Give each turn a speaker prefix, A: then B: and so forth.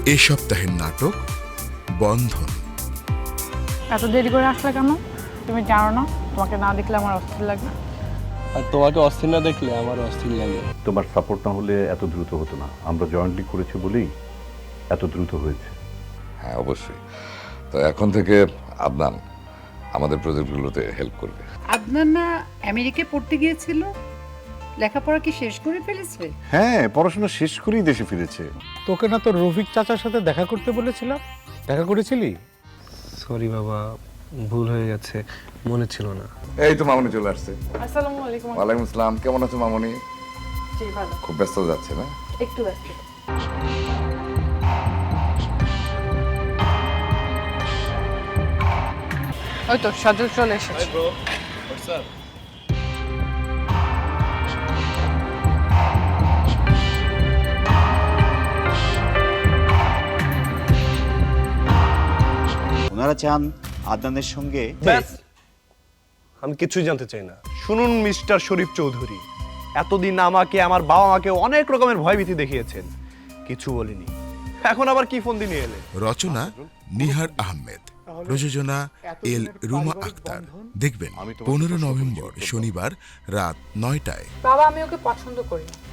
A: এ সপ্তাহের নাটক বন্ধন।
B: এত দেরি করে আসলে কেন? তুমি জানো না তোমাকে না দেখলে আমার অস্থির লাগে।
C: আর তোমাকে অস্থির না দেখলে আমার অস্থির লাগে।
D: তোমার সাপোর্ট না হলে এত দ্রুত হতো না। আমরা জয়েন্টলি করেছি বলেই এত দ্রুত হয়েছে।
E: হ্যাঁ, অবশ্যই। তো এখন থেকে আদনান আমাদের প্রজেক্টগুলোতে হেল্প করবে।
F: আদনান না আমেরিকায় পড়তে গিয়েছিল? লেখাপড়া কি শেষ করে ফেলেছে?
G: হ্যাঁ, পড়াশোনা শেষ করেই দেশে ফিরেছে।
H: তোকে না তোর রফিক চাচার সাথে দেখা করতে বলেছিলাম, দেখা করেছিলি?
C: সরি বাবা, ভুল হয়ে গেছে, মনে ছিল না।
E: এই তো মামনি চলে আসছে।
B: আসসালামু আলাইকুম।
E: ওয়ালাইকুম আসসালাম। কেমন আছো মামনি?
B: জি ভালো।
E: খুব ব্যস্ত যাচ্ছে না?
B: একটু ব্যস্ত। ওই তো সাজু চলে এসেছে।
I: ওনারা চান আদনানের সঙ্গে।
C: আমি কিছুই জানতে চাই না।
J: শুনুন মিস্টার শরীফ চৌধুরী, এতদিন আমাকে আমার বাবা মাকে অনেক রকমের ভয়ভীতি দেখিয়েছেন, কিছু বলিনি, এখন আবার কি ফোন দিয়ে নিয়ে এলেন?
A: রচনা নিহার আহমেদ, প্রযোজনা এল রুমা আক্তার। দেখবেন 15 নভেম্বর শনিবার রাত 9টায়।
B: বাবা, আমি ওকে পছন্দ করি না।